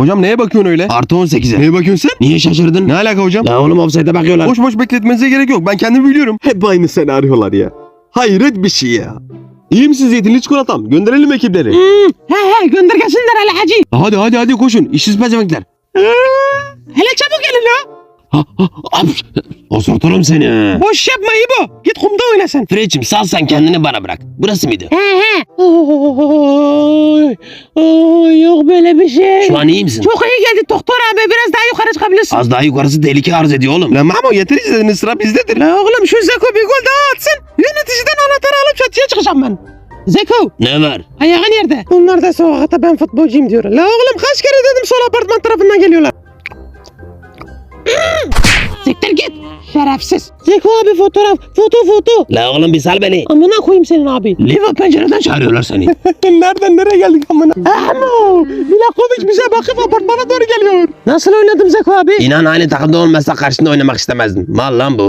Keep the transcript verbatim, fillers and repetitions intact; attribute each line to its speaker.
Speaker 1: Hocam neye bakıyorsun öyle?
Speaker 2: Artı on sekize.
Speaker 1: Neye bakıyorsun sen?
Speaker 2: Niye şaşırdın?
Speaker 1: Ne alaka hocam?
Speaker 2: La oğlum offside'e bakıyorlar.
Speaker 1: Boş boş bekletmenize gerek yok. Ben kendimi biliyorum.
Speaker 3: Hep aynı senaryolar ya. Hayret bir şey ya.
Speaker 1: İyi misin zeytinli çikolatam? Gönderelim ekipleri.
Speaker 2: Hmm, he he gönder gelsinler hele hacı.
Speaker 1: Hadi hadi hadi koşun. İşsiz pezemekler.
Speaker 2: Hele çabuk gelin la.
Speaker 1: Ha, ha, ha.
Speaker 2: Osurturum seni.
Speaker 4: Boş yapma İbo. Git kumda oyna sen.
Speaker 2: Fred'cim sal sen kendini bana bırak. Burası mıydı?
Speaker 4: He he. Oy, oy, yok böyle bir şey.
Speaker 2: Şu an iyi misin?
Speaker 4: Çok iyi geldi doktor abi. Biraz daha yukarı çıkabilirsin.
Speaker 2: Az daha yukarısı tehlike arz ediyor oğlum.
Speaker 1: Lan Mamo yeter izlediniz, sıra bizdedir.
Speaker 4: La oğlum şu Zeko bir gol daha atsın. Yöneticiden anahtarı alıp çatıya çıkacağım ben. Zeko
Speaker 2: Ne var?
Speaker 4: ayağın nerede? Bunlar da sokakta ben futbolcuyum diyor. La oğlum kaç kere dedim sol apartman tarafından geliyorlar. Siktir git. Şerefsiz. Zeko abi fotoğraf. Foto foto.
Speaker 2: La oğlum bir sal beni.
Speaker 4: Amına koyayım senin abi.
Speaker 2: Liva pencereden çağırıyorlar seni.
Speaker 4: Nereden nereye geldik amına? Ahmo. Milakovic bize bakıp apartmana doğru geliyor. Nasıl oynadım Zeko abi?
Speaker 2: İnan aynı takımda olmasa karşında oynamak istemezdim. Mal lan bu.